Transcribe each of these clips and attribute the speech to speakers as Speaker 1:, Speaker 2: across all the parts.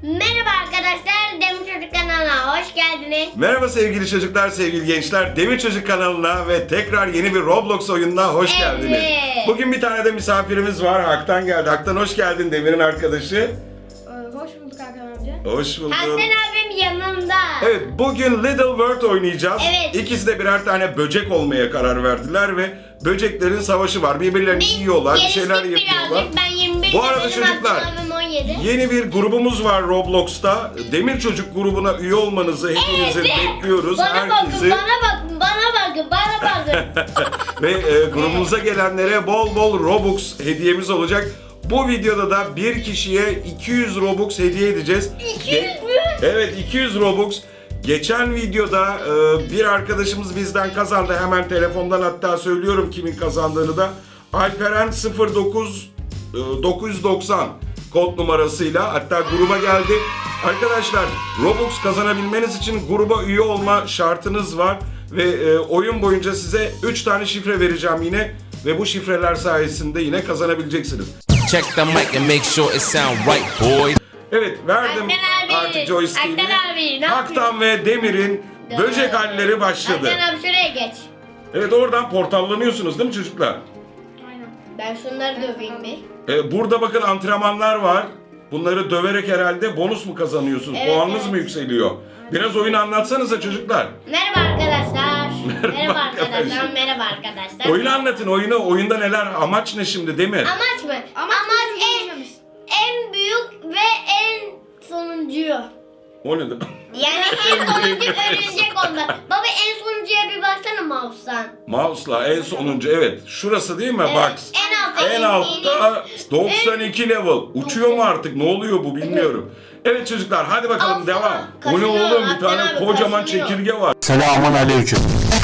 Speaker 1: Merhaba arkadaşlar, Demir Çocuk kanalına hoş geldiniz.
Speaker 2: Merhaba sevgili çocuklar, sevgili gençler. Demir Çocuk kanalına ve tekrar yeni bir Roblox oyununa hoş geldiniz. Bugün bir tane de misafirimiz var. Hak'tan geldi. Hak'tan hoş geldin, Demir'in arkadaşı.
Speaker 3: Hoş bulduk Hakan amca.
Speaker 2: Hoş bulduk.
Speaker 1: Hakan abim yanımda.
Speaker 2: Evet, bugün Little World oynayacağız.
Speaker 1: Evet.
Speaker 2: İkisi de birer tane böcek olmaya karar verdiler ve böceklerin savaşı var. Birbirlerini yiyorlar, bir şeyler
Speaker 1: geliştik
Speaker 2: yapıyorlar.
Speaker 1: birazcık. Ben 21
Speaker 2: Bu arada
Speaker 1: yaşındayım,
Speaker 2: çocuklar,
Speaker 1: Hakan abim 17.
Speaker 2: Yeni bir grubumuz var Roblox'ta. Demir Çocuk grubuna üye olmanızı hepinizi bekliyoruz.
Speaker 1: Bana
Speaker 2: Herkesi.
Speaker 1: bakın, bana bakın.
Speaker 2: Ve grubumuza gelenlere bol bol Robux hediyemiz olacak. Bu videoda da bir kişiye 200 Robux hediye edeceğiz.
Speaker 1: 200 mü?
Speaker 2: Evet, 200 Robux. Geçen videoda bir arkadaşımız bizden kazandı. Hemen telefondan hatta söylüyorum kimin kazandığını da. Alperen 09 990 kod numarasıyla hatta gruba geldi. Arkadaşlar, Robux kazanabilmeniz için gruba üye olma şartınız var. Ve oyun boyunca size 3 tane şifre vereceğim yine. Ve bu şifreler sayesinde yine kazanabileceksiniz.
Speaker 4: Check the mic and make sure it sound right, boys.
Speaker 2: Evet, verdim
Speaker 1: Haktan abi,
Speaker 2: artık joystick'ini.
Speaker 1: Haktan abi, ne
Speaker 2: Haktan ve Demir'in böcek halleri başladı.
Speaker 1: Hakan abi şuraya geç.
Speaker 2: Evet, oradan portallanıyorsunuz değil mi çocuklar?
Speaker 3: Aynen.
Speaker 1: Ben şunları döveyim bir.
Speaker 2: Burada bakın antrenmanlar var. Bunları döverek herhalde bonus mu kazanıyorsunuz?
Speaker 1: Evet,
Speaker 2: Puanınız
Speaker 1: evet.
Speaker 2: mı yükseliyor? Biraz oyunu anlatsanıza çocuklar.
Speaker 1: Merhaba arkadaşlar. Merhaba
Speaker 2: arkadaşlar.
Speaker 1: arkadaşlar. Merhaba arkadaşlar.
Speaker 2: Oyunu anlatın, oyunu. Oyunda neler? Amaç ne şimdi Demir?
Speaker 1: Amaç mı? Amaç en büyük ve en sonuncuyu.
Speaker 2: O ne demek?
Speaker 1: Yani en sonuncu örümcek onda. Baba en sonuncuya bir baksana mouse'tan.
Speaker 2: Mouse'la en sonuncu, evet. Şurası değil mi? Bak.
Speaker 1: En altta.
Speaker 2: En altta 92 level. Uçuyor mu artık? Ne oluyor bu bilmiyorum. Evet çocuklar, hadi bakalım
Speaker 1: Al
Speaker 2: devam.
Speaker 1: sana.
Speaker 2: Bu ne
Speaker 1: Kaşınıyor,
Speaker 2: oğlum? Bir
Speaker 1: Hakan
Speaker 2: tane
Speaker 1: abi,
Speaker 2: kocaman
Speaker 1: kaşınıyor.
Speaker 2: çekirge var.
Speaker 4: Selamun aleyküm.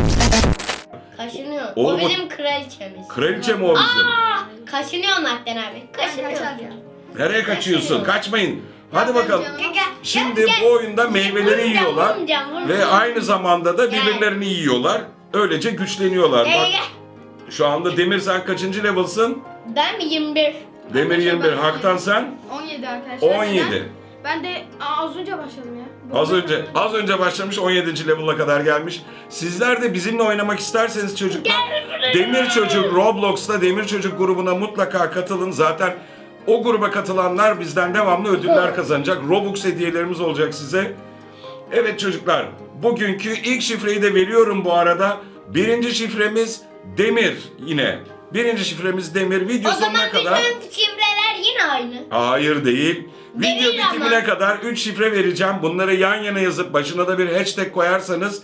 Speaker 1: Kaşınıyor.
Speaker 2: Oğlum,
Speaker 1: o bizim kraliçemiz.
Speaker 2: Kraliçe mi o bizim?
Speaker 1: Kaşınıyor Nakden abi. Kaşınıyor.
Speaker 2: Nereye kaçıyorsun? Kaçmayın. Hadi bakalım.
Speaker 1: Gel.
Speaker 2: Şimdi bu oyunda meyveleri yiyorlar ve aynı zamanda da birbirlerini yiyorlar. Öylece güçleniyorlar.
Speaker 1: Gel
Speaker 2: Bak,
Speaker 1: gel.
Speaker 2: şu anda Demir sen kaçıncı level'sın?
Speaker 1: Ben mi 21?
Speaker 2: Demir 21.
Speaker 3: ben-
Speaker 2: Haktan sen?
Speaker 3: 17 arkadaşlar.
Speaker 2: 17.
Speaker 3: Ben de az önce başladım ya.
Speaker 2: Az önce başlamış, 17. level'a kadar gelmiş. Sizler de bizimle oynamak isterseniz çocuklar, Demir Çocuk Roblox'ta Demir Çocuk grubuna mutlaka katılın. Zaten o gruba katılanlar bizden devamlı ödüller kazanacak. Robux hediyelerimiz olacak size. Evet çocuklar, bugünkü ilk şifreyi de veriyorum bu arada. Birinci şifremiz Demir yine. Birinci şifremiz Demir. Video
Speaker 1: O zaman
Speaker 2: sonuna kadar...
Speaker 1: bütün şifreler yine aynı.
Speaker 2: Hayır değil. Video
Speaker 1: Değil ama.
Speaker 2: bitimine kadar 3 şifre vereceğim. Bunları yan yana yazıp başına da bir hashtag koyarsanız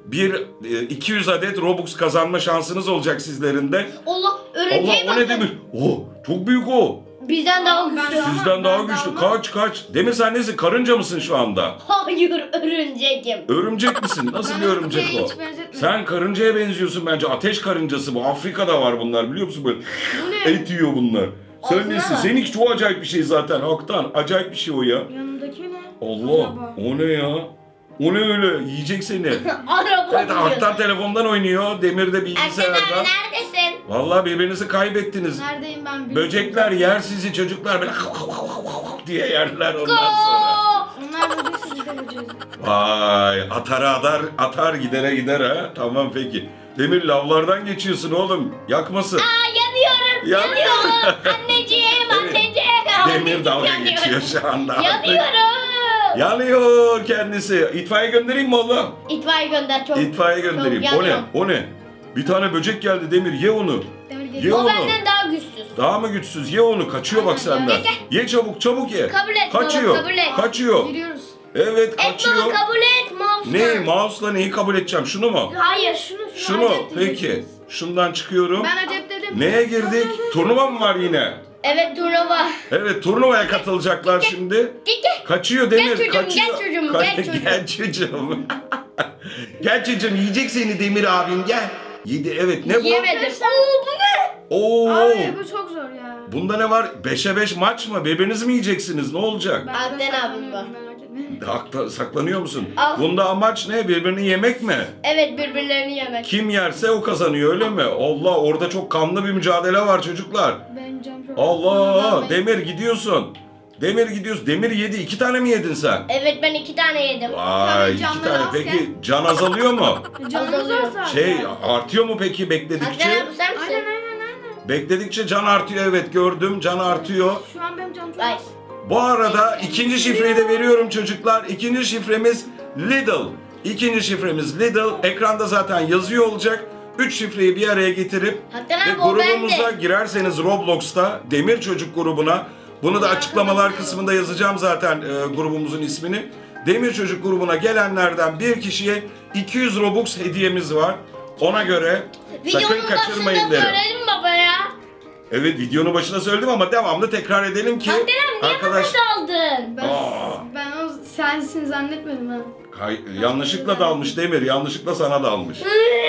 Speaker 2: 200 adet Robux kazanma şansınız olacak sizlerin de.
Speaker 1: Allah
Speaker 2: Allah,
Speaker 1: örümceğe
Speaker 2: o ne
Speaker 1: bakın.
Speaker 2: Demir? Oh, çok büyük o.
Speaker 1: Bizden daha güçlü.
Speaker 2: Sizden daha
Speaker 3: ben
Speaker 2: güçlü.
Speaker 3: daha-
Speaker 2: Kaç. Demir sen nesin? Karınca mısın şu anda?
Speaker 1: Hayır örümcekim.
Speaker 2: Örümcek misin? Nasıl bir örümcek
Speaker 3: şeye
Speaker 2: o?
Speaker 3: hiç benzetmiyorum.
Speaker 2: Sen karıncaya benziyorsun bence. Ateş karıncası bu. Afrika'da var bunlar, biliyor musun böyle?
Speaker 3: ne?
Speaker 2: Et yiyor bunlar. Sen
Speaker 1: Ağzına
Speaker 2: nesin?
Speaker 1: bak.
Speaker 2: Seninki çok acayip bir şey zaten Haktan. Acayip bir şey o ya.
Speaker 3: Yanındaki ne?
Speaker 2: Allah,
Speaker 3: Acaba?
Speaker 2: o ne ya? O ne öyle? Yiyecek seni.
Speaker 1: Araba
Speaker 2: Evet, Haktan telefondan oynuyor, Demir de
Speaker 1: Erken abi
Speaker 2: bilgisayardan.
Speaker 1: neredesin?
Speaker 2: Vallahi birbirinizi kaybettiniz.
Speaker 3: Neredeyim ben bilmiyorum.
Speaker 2: Böcekler yer sizi, çocuklar böyle diye yerler ondan sonra.
Speaker 3: Onlar böcekse biz de böceğiz.
Speaker 2: Vay, atar gider ha. Tamam peki. Demir, lavlardan geçiyorsun oğlum. Yakmasın.
Speaker 1: Yanıyorum.
Speaker 2: Yanıyor.
Speaker 1: Anneciğim
Speaker 2: Evet.
Speaker 1: anneciğim.
Speaker 2: Demir dalga
Speaker 1: Yanıyorum.
Speaker 2: geçiyor şu anda.
Speaker 1: Yanıyorum.
Speaker 2: Yanıyor kendisi. İtfaiye göndereyim mi oğlum?
Speaker 1: İtfaiye gönder çok.
Speaker 2: İtfaiye göndereyim.
Speaker 1: Çok
Speaker 2: O ne?
Speaker 1: yanıyorum.
Speaker 2: O ne? Bir tane böcek geldi Demir. Ye onu.
Speaker 3: Demir
Speaker 2: Ye
Speaker 3: geliyor.
Speaker 1: O
Speaker 2: onu.
Speaker 1: benden daha güçsüz.
Speaker 2: Daha mı güçsüz? Ye onu. Kaçıyor bak
Speaker 3: Aynen ya.
Speaker 2: senden. Ye çabuk ye.
Speaker 1: Kabul et baba,
Speaker 2: Kaçıyor.
Speaker 1: kabul et.
Speaker 2: Kaçıyor.
Speaker 3: Giriyoruz.
Speaker 2: Evet,
Speaker 1: Et
Speaker 2: kaçıyor.
Speaker 1: baba kabul et mouse'la.
Speaker 2: Ne? Mouse'la neyi kabul edeceğim? Şunu mu?
Speaker 1: Hayır.
Speaker 2: Şunu.
Speaker 3: acep
Speaker 2: Peki.
Speaker 3: diyeceksiniz.
Speaker 2: Şundan çıkıyorum.
Speaker 3: Ben acep dedim.
Speaker 2: Neye girdik? Turnuva mı var yine?
Speaker 1: Evet turnuva.
Speaker 2: Evet, turnuvaya katılacaklar şimdi.
Speaker 1: Gel.
Speaker 2: Kaçıyor Demir,
Speaker 1: çocuğum,
Speaker 2: kaçıyor.
Speaker 1: gel çocuğum, gel çocuğum.
Speaker 2: Gel çocuğum. Gel çocuğum, yiyecek seni Demir abim, gel. Yedi, evet, ne bu?
Speaker 1: Yemedim. Oo bu ne?
Speaker 2: Oo.
Speaker 3: Abi bu çok zor ya.
Speaker 2: Bunda ne var? 5'e 5 maç mı? Birbirinizi mi yiyeceksiniz? Ne olacak?
Speaker 3: Ben
Speaker 1: Adnan
Speaker 3: de
Speaker 1: abim
Speaker 3: saklanıyorum,
Speaker 1: var.
Speaker 3: merak etmeyin.
Speaker 2: Saklanıyor musun?
Speaker 1: Al.
Speaker 2: Bunda amaç ne? Birbirini yemek mi?
Speaker 1: Evet birbirlerini yemek.
Speaker 2: Kim yerse o kazanıyor, öyle mi? Allah, orada çok kanlı bir mücadele var çocuklar.
Speaker 3: Benim canım çok...
Speaker 2: Allah,
Speaker 3: Ben-
Speaker 2: Demir gidiyorsun. Demir gidiyorsun. Demir yedi. 2 tane mi yedin sen?
Speaker 1: Evet ben 2 tane yedim.
Speaker 2: Vay 2
Speaker 3: canları
Speaker 2: tane.
Speaker 3: azken.
Speaker 2: Peki can azalıyor mu?
Speaker 3: Canımız
Speaker 1: Azalıyor.
Speaker 3: varsa.
Speaker 2: Şey artıyor mu peki bekledikçe?
Speaker 1: Hakan abi sen misin?
Speaker 3: Aynen.
Speaker 2: Bekledikçe can artıyor, evet gördüm, can artıyor.
Speaker 3: Şu an benim canım çok
Speaker 1: Ay.
Speaker 3: az.
Speaker 2: Bu arada ikinci şifreyi de veriyorum çocuklar. İkinci şifremiz Lidl. İkinci şifremiz Lidl. Ekranda zaten yazıyor olacak. 3 şifreyi bir araya getirip
Speaker 1: Hakan
Speaker 2: ve
Speaker 1: abi o
Speaker 2: grubumuza
Speaker 1: bende.
Speaker 2: girerseniz Roblox'ta Demir Çocuk grubuna, bunu da açıklamalar kısmında yazacağım zaten grubumuzun ismini. Demir Çocuk grubuna gelenlerden bir kişiye 200 Robux hediyemiz var. Ona göre sakın
Speaker 1: Videonun
Speaker 2: kaçırmayın
Speaker 1: başında
Speaker 2: derim.
Speaker 1: söyledim baba ya.
Speaker 2: Evet videonun başında söyledim ama devamlı tekrar edelim ki
Speaker 1: Hakan abi niye bana daldın?
Speaker 3: Ben o sensin zannetmedim ha.
Speaker 2: Yanlışlıkla dalmış Demir, yanlışlıkla sana dalmış.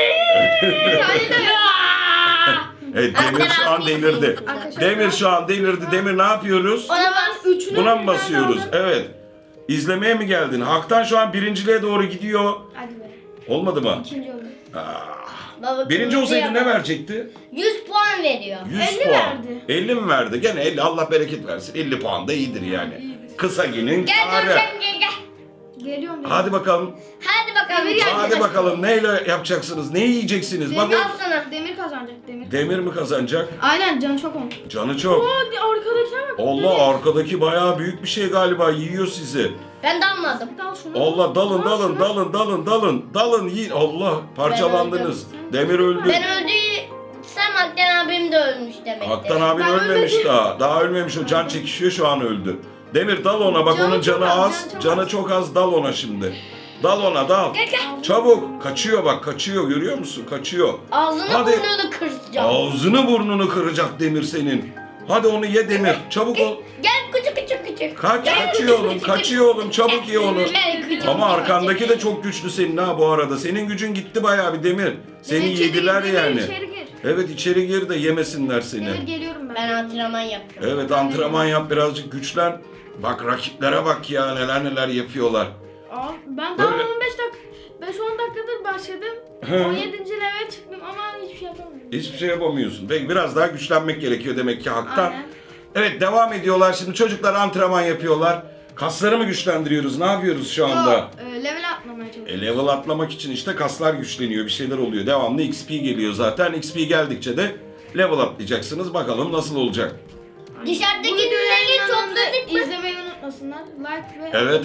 Speaker 2: Evet Demir şu an delirdi.
Speaker 3: Arkadaşlar,
Speaker 2: Demir şu an delirdi. Demir ne yapıyoruz?
Speaker 1: Ona bas.
Speaker 3: Üçüne
Speaker 2: Buna mı
Speaker 3: birden
Speaker 2: basıyoruz?
Speaker 3: aldım.
Speaker 2: Evet. İzlemeye mi geldin? Hak'tan şu an birinciliğe doğru gidiyor.
Speaker 3: Hadi be.
Speaker 2: Olmadı mı?
Speaker 3: İkinci oldu.
Speaker 1: Baba,
Speaker 2: Birinci olsaydı ne
Speaker 1: yapalım.
Speaker 2: verecekti?
Speaker 1: 100 puan veriyor.
Speaker 2: 100
Speaker 3: 50
Speaker 2: puan.
Speaker 3: verdi.
Speaker 2: 50 mi verdi? Gene 50, Allah bereket versin. 50 puan da iyidir yani.
Speaker 3: İyidir.
Speaker 2: Kısa günün
Speaker 1: Gel
Speaker 2: kârı.
Speaker 1: Nurşen gel.
Speaker 3: Geliyorum.
Speaker 2: Hadi bakalım.
Speaker 1: Hadi bakalım.
Speaker 3: Demir geldi.
Speaker 2: Hadi bakalım neyle yapacaksınız? Ne yiyeceksiniz? Bak
Speaker 1: Al sana.
Speaker 3: Demir kazanacak Demir.
Speaker 2: Demir mi kazanacak?
Speaker 3: Aynen canı çok olmuş.
Speaker 2: Canı çok.
Speaker 3: Arkadakine bak.
Speaker 2: Allah arkadaki bayağı büyük bir şey galiba, yiyor sizi.
Speaker 1: Ben de almadım.
Speaker 3: Dal şunu.
Speaker 2: Allah dalın
Speaker 3: Al
Speaker 2: dalın
Speaker 3: şunu.
Speaker 2: dalın yiyin. Allah parçalandınız. Demir öldü.
Speaker 1: Ben öldüysem Hakan abim de ölmüş demektir.
Speaker 2: Haktan abin
Speaker 3: Ben
Speaker 2: ölmemiş
Speaker 3: ölmedim.
Speaker 2: daha. Daha ölmemiş, o can çekişiyor, şu an öldü. Demir dal ona, bak
Speaker 3: Canı
Speaker 2: onun
Speaker 3: çok
Speaker 2: canı
Speaker 3: az,
Speaker 2: az.
Speaker 3: canı çok
Speaker 2: Canı
Speaker 3: az.
Speaker 2: çok az, dal ona şimdi. Dal ona dal.
Speaker 1: Gel.
Speaker 2: Çabuk kaçıyor, bak kaçıyor, görüyor musun? Kaçıyor.
Speaker 1: Ağzını
Speaker 2: Hadi.
Speaker 1: burnunu kıracağım.
Speaker 2: Ağzını burnunu kıracak Demir senin. Hadi onu ye Demir. Çabuk ol.
Speaker 1: Gel küçük.
Speaker 2: Kaçıyor oğlum, kaçıyor oğlum. Çabuk ye onu.
Speaker 1: Gel küçük.
Speaker 2: Ama arkandaki de çok güçlü senin ha bu arada. Senin gücün gitti bayağı bir Demir. Seni
Speaker 3: Demir içeri
Speaker 2: yediler
Speaker 3: gir, Demir
Speaker 2: yani.
Speaker 3: içeri gir.
Speaker 2: Evet içeri gir de yemesinler seni.
Speaker 3: Demir geliyorum ben.
Speaker 1: Ben antrenman yapıyorum.
Speaker 2: Evet antrenman yap, birazcık güçlen. Bak rakiplere bak ya, neler yapıyorlar.
Speaker 3: Al, ben daha
Speaker 2: Böyle.
Speaker 3: 5-10 dakikadır başladım.
Speaker 2: Hı.
Speaker 3: 17. leve çıktım ama hiçbir şey yapamıyorum.
Speaker 2: Hiçbir şey yapamıyorsun. Peki biraz daha güçlenmek gerekiyor demek ki haktan.
Speaker 3: Aynen.
Speaker 2: Evet devam ediyorlar şimdi, çocuklar antrenman yapıyorlar. Kasları mı güçlendiriyoruz? Ne yapıyoruz şu anda?
Speaker 3: Yok, level atlamaya çalışıyorum.
Speaker 2: Level atlamak için işte kaslar güçleniyor, bir şeyler oluyor. Devamlı XP geliyor zaten. XP geldikçe de level atlayacaksınız. Bakalım nasıl olacak?
Speaker 1: Dışarıdaki
Speaker 3: Bu videoyu
Speaker 1: ürünleri
Speaker 3: yayınlandığında
Speaker 1: topladık mı?
Speaker 3: İzlemeyi unutmasınlar. Like ve
Speaker 2: Evet.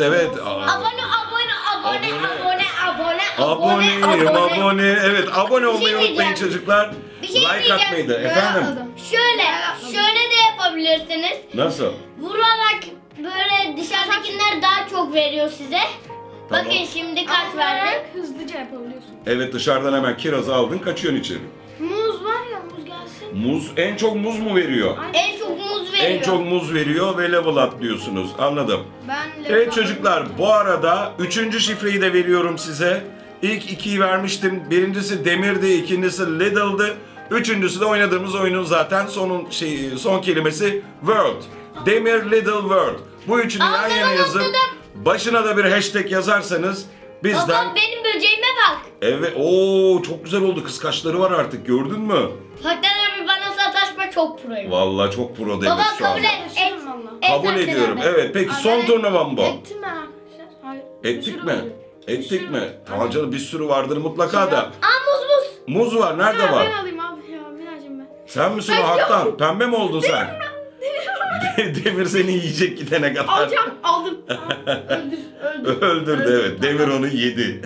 Speaker 2: Abone. Evet abone olmayı
Speaker 1: şey
Speaker 2: unutmayın
Speaker 1: diyeceğim.
Speaker 2: çocuklar.
Speaker 1: Bir şey
Speaker 2: Like
Speaker 1: diyeceğim.
Speaker 2: atmayı da.
Speaker 3: Ben
Speaker 2: Efendim?
Speaker 3: atladım.
Speaker 1: Şöyle de yapabilirsiniz.
Speaker 2: Nasıl?
Speaker 1: Vurarak böyle dışarıdakiler daha çok veriyor size.
Speaker 2: Tamam.
Speaker 1: Bakın şimdi kaç verdi?
Speaker 3: Atlayarak hızlıca yapabiliyorsun.
Speaker 2: Evet dışarıdan hemen kirazı aldın, kaçıyorsun içeri.
Speaker 3: Muz var ya, muz gelsin.
Speaker 2: Muz, en çok muz mu veriyor?
Speaker 3: Aynen.
Speaker 1: En çok muz veriyor.
Speaker 2: En çok muz veriyor ve level atlıyorsunuz. Anladım.
Speaker 3: Ben level
Speaker 2: Evet
Speaker 3: atladım.
Speaker 2: çocuklar, bu arada 3. şifreyi de veriyorum size. İlk 2'yi vermiştim. Birincisi Demir'di, ikincisi Lidl'dı. Üçüncüsü de oynadığımız oyunun zaten son kelimesi World. Demir Lidl World. Bu üçünü yan
Speaker 1: Anladım,
Speaker 2: yana yazıp
Speaker 1: anladım.
Speaker 2: başına da bir hashtag yazarsanız bizden...
Speaker 1: Baba benim böceğime bak.
Speaker 2: Evet, ooo çok güzel oldu. Kıskaçları var artık, gördün mü?
Speaker 1: Hakan abi bana sataşma, çok proyum.
Speaker 2: Vallahi çok pro Demir
Speaker 1: Baba
Speaker 2: şu anda.
Speaker 1: kabul et.
Speaker 3: Sataşırım valla.
Speaker 2: Kabul
Speaker 1: Hakan
Speaker 2: ediyorum.
Speaker 1: abi.
Speaker 2: Evet, peki son
Speaker 3: Aynen.
Speaker 2: turnuvam bu.
Speaker 3: Ettim ben arkadaşlar. Hayır. bir
Speaker 2: Ettik
Speaker 3: sürü
Speaker 2: mi?
Speaker 3: oluyor. Bir
Speaker 2: Ettik
Speaker 3: sürü.
Speaker 2: mi? Tamam
Speaker 3: Aynen.
Speaker 2: canım, bir sürü vardır mutlaka da.
Speaker 1: Aa muz.
Speaker 2: Muz var, nerede
Speaker 3: Ha,
Speaker 2: var?
Speaker 3: ben alayım abi ya. Binacığım ben.
Speaker 2: Sen misin o Haktan? Pembe mi oldun sen? Demir seni yiyecek gidene kadar.
Speaker 3: Alacağım. Aldım. Öldür.
Speaker 2: Öldürdü evet. Demir onu yedi.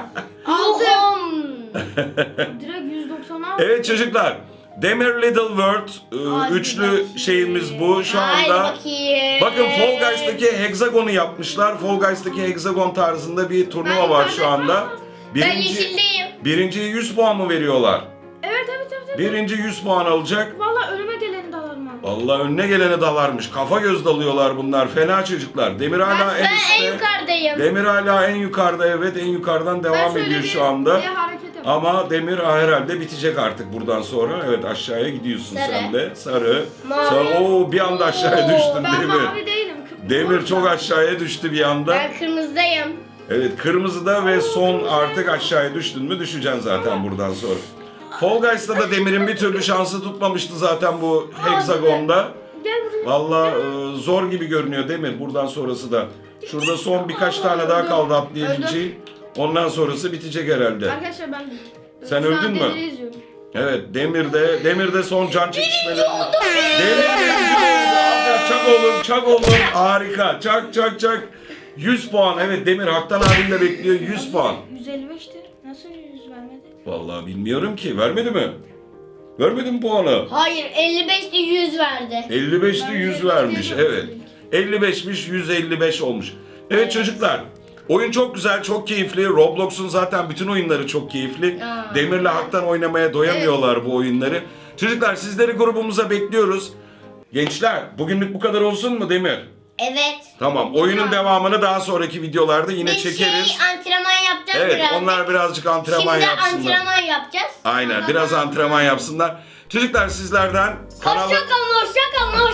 Speaker 1: Aldım.
Speaker 3: Direkt 190 aldım.
Speaker 2: Evet çocuklar. Demir Little World
Speaker 3: Hadi
Speaker 2: üçlü
Speaker 3: bakayım.
Speaker 2: şeyimiz bu şu
Speaker 1: Haydi
Speaker 2: anda.
Speaker 1: bakayım.
Speaker 2: Bakın Fall Guys'taki hexagonu yapmışlar. Fall Guys'taki hexagon tarzında bir turnuva
Speaker 3: Ben
Speaker 2: var
Speaker 3: yukarıda
Speaker 2: şu anda.
Speaker 1: Ben yeşildeyim.
Speaker 2: Birinciye 100 puan mı veriyorlar?
Speaker 3: Evet.
Speaker 2: Birinci 100 puan alacak.
Speaker 3: Valla önüme geleni dalarım abi.
Speaker 2: Vallahi önüne gelene dalarmış. Kafa göz dalıyorlar bunlar. Fena çocuklar. Demir hala en
Speaker 1: Ben
Speaker 2: üstte.
Speaker 1: en yukarıdayım.
Speaker 2: Demir hala en yukarıda, evet en yukarıdan devam
Speaker 3: şöyle
Speaker 2: ediyor
Speaker 3: bir
Speaker 2: şu anda.
Speaker 3: hareket yapayım.
Speaker 2: Ama Demir herhalde bitecek artık buradan sonra. Evet aşağıya gidiyorsun
Speaker 1: Sarı.
Speaker 2: sen de. Sarı.
Speaker 1: Mavi.
Speaker 2: Sarı. Oo bir anda aşağıya
Speaker 1: Oo,
Speaker 2: düştün
Speaker 3: Ben
Speaker 2: Demir.
Speaker 3: mavi değilim.
Speaker 2: Demir çok aşağıya düştü bir anda.
Speaker 1: Ben kırmızıdayım.
Speaker 2: Evet kırmızıda ve son
Speaker 3: kırmızı.
Speaker 2: artık aşağıya düştün mü düşeceksin zaten buradan sonra. Fall Guys'ta da Demir'in bir türlü şansı tutmamıştı zaten bu hexagonda.
Speaker 3: Gel buraya.
Speaker 2: Vallahi zor gibi görünüyor Demir buradan sonrası da. Şurada son birkaç tane daha kaldı atlayabileceğin. Ondan sonrası bitecek herhalde.
Speaker 3: Arkadaşlar ben
Speaker 2: Sen
Speaker 3: şu an
Speaker 2: öldün mü?
Speaker 3: Demir'i izliyorum.
Speaker 2: Evet Demir'de son can çekişmeleri. Demir aferin, çak oğlum çak oğlum harika çak. 100 puan evet Demir Haktan abimle bekliyor 100 puan.
Speaker 3: 155'ti. Nasıl 100 vermedi?
Speaker 2: Vallahi bilmiyorum ki vermedi mi? Vermedi mi puanı?
Speaker 1: Hayır 55'te 100 verdi.
Speaker 2: 55'te 100 vermiş evet. 55'miş 155 olmuş. Evet çocuklar oyun çok güzel çok keyifli. Roblox'un zaten bütün oyunları çok keyifli. Demir'le Hak'tan oynamaya doyamıyorlar bu oyunları. Çocuklar sizleri grubumuza bekliyoruz. Gençler bugünlük bu kadar olsun mu Demir?
Speaker 1: Evet.
Speaker 2: Tamam oyunun devamını daha sonraki videolarda yine
Speaker 1: Biz
Speaker 2: çekeriz.
Speaker 1: antrenman yapacağız
Speaker 2: Evet
Speaker 1: birazcık.
Speaker 2: onlar birazcık antrenman
Speaker 1: Şimdi
Speaker 2: yapsınlar.
Speaker 1: antrenman yapacağız.
Speaker 2: Aynen biraz antrenman yapsınlar. Çocuklar sizlerden kanala...
Speaker 1: Hoşçakalın.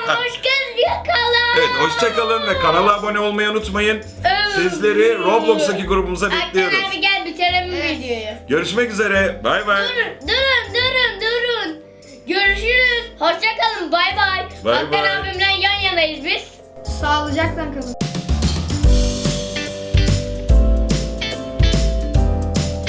Speaker 2: Evet hoşçakalın ve kanala abone olmayı unutmayın. Sizleri Roblox'taki grubumuza bekliyoruz.
Speaker 1: Aktan abi gel bitirelim videoyu.
Speaker 2: Görüşmek üzere. Bay bay.
Speaker 1: Durun. Görüşürüz. Hoşçakalın. Bay bay.
Speaker 2: Bay
Speaker 1: Aktan
Speaker 2: bay.
Speaker 1: abimle yan yanayız biz.
Speaker 3: Sağlıcakla kalın.